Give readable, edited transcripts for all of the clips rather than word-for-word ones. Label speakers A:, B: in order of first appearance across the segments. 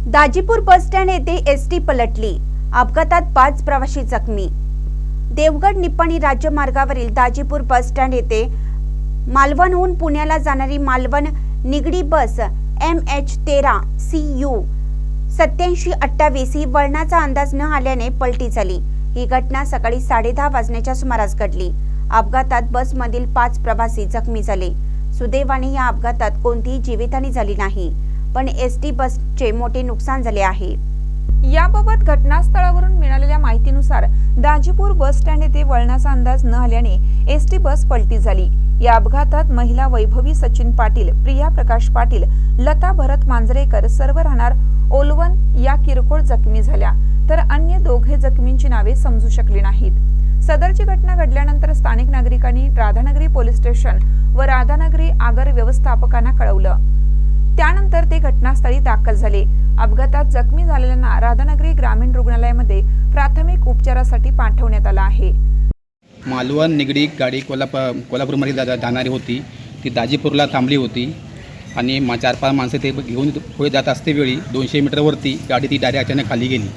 A: Dajipur bus stand येथे ST पलटली, अपघातात 5 प्रवासी जखमी। देवगड निप्पाणी राज्य मार्गावरील दाजीपूर बस स्टँड येथे मालवणहून पुण्याला जाणारी मालवण निगडी बस MH13 CU 8728 ही वळणाचा अंदाज न आल्याने पलटी झाली। ही घटना सकाळी 10:30 वाजण्याच्या सुमारास घडली। अपघातात बसमधील 5 प्रवासी जखमी झाले। सुदैवाने या अपघातात कोणतीही जीवितहानी झाली नाही, पण एसटी बसचे मोठे नुकसान झाले आहे।
B: याबाबत घटनास्थळावरून मिळालेल्या माहितीनुसार दाजीपूर बस स्टँड येथे वळणाचा अंदाज न आल्याने एसटी बस पलटी झाली। या अपघातात महिला वैभवी सचिन पाटील, प्रिया प्रकाश पाटील, लता भरत मांजरेकर सर्व राहणार ओलवन या किरकोळ जखमी झाल्या, तर अन्य दोघे जखमींची नावे समजू शकली नाहीत। सदरची घटना घडल्यानंतर स्थानिक नागरिकांनी राधानगरी पोलीस स्टेशन व राधानगरी आगार व्यवस्थापकांना कळवलं। त्यानंतर ते घटनास्थळी दाखल झाले। अपघातात जखमी झालेल्यांना राधानगरी ग्रामीण रुग्णालयामध्ये प्राथमिक उपचारासाठी पाठवण्यात आलं आहे।
C: मालवण निगडी गाडी कोल्हापूरमध्ये जाणारी होती। ती दाजीपूरला थांबली होती आणि 4-5 माणसं ते घेऊन पुढे जात असते वेळी 200 मीटरवरती गाडी ती डायरेक्ट अचानक खाली गेली।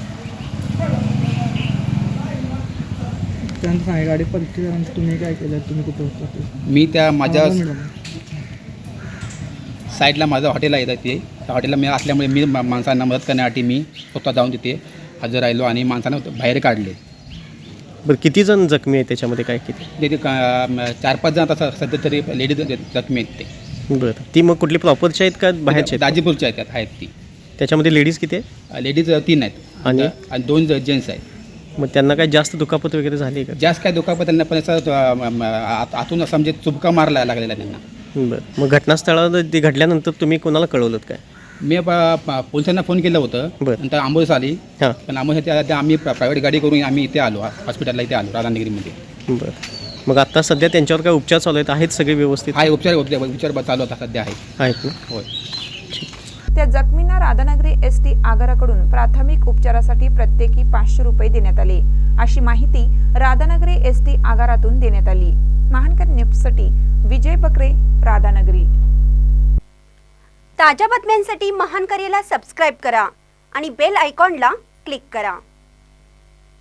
D: गाडी पलटी झाल्यानंतर तुम्ही काय केलं? तुम्ही कुठे होता?
C: मी त्या माझ्या साईडला माझं हॉटेल आहे ते, त्या हॉटेलला मी असल्यामुळे मी माणसांना मदत करण्यासाठी मी स्वतः जाऊन तिथे हजर राहिलो आणि माणसांना बाहेर काढले।
E: बरं, किती जण जखमी आहेत त्याच्यामध्ये? काय किती?
C: तिथे 4-5 जण आता सध्या तरी लेडीज जखमी आहेत ते।
E: बरं, ती मग कुठली प्रॉपरची आहेत का बाहेरची आहेत?
C: दाजीपूरच्या आहेत ती।
E: त्याच्यामध्ये लेडीज किती आहेत?
C: लेडीज 3 आहेत आणि 2 जेंट्स आहेत।
E: मग त्यांना काय जास्त दुखापत वगैरे झाली का?
C: जास्त काय दुखापत त्यांना पण असं आतून असं म्हणजे चुबका मारला लागलेला त्यांना।
E: बरं, मग घटनास्थळावर ते घडल्यानंतर तुम्ही कोणाला कळवलं काय?
C: मी पोलिसांना फोन केलं होतं, नंतर ॲम्ब्युलन्स आली।
E: हां,
C: पण ॲम्ब्युलन्स आम्ही प्रायव्हेट गाडी करून आम्ही इथे आलो, हॉस्पिटलला इथे आलो राधानगरीमध्ये।
E: बरं, मग आता सध्या त्यांच्यावर काय उपचार चालू आहेत सगळे व्यवस्थित?
C: आहे, उपचार चालू होता सध्या
E: आहेत ना?
C: होय।
B: त्या जखमींना राधानगरी एसटी आगाराकडून प्राथमिक उपचारासाठी प्रत्येकी 500 रुपये देण्यात आले, अशी माहिती राधानगरी एसटी आगारातून देण्यात आली। महानकर न्यूजसाठी विजय बकरे, राधानगरी।
A: ताज्या बातम्यांसाठी महानकरेला सबस्क्राइब करा आणि बेल आयकॉनला क्लिक करा।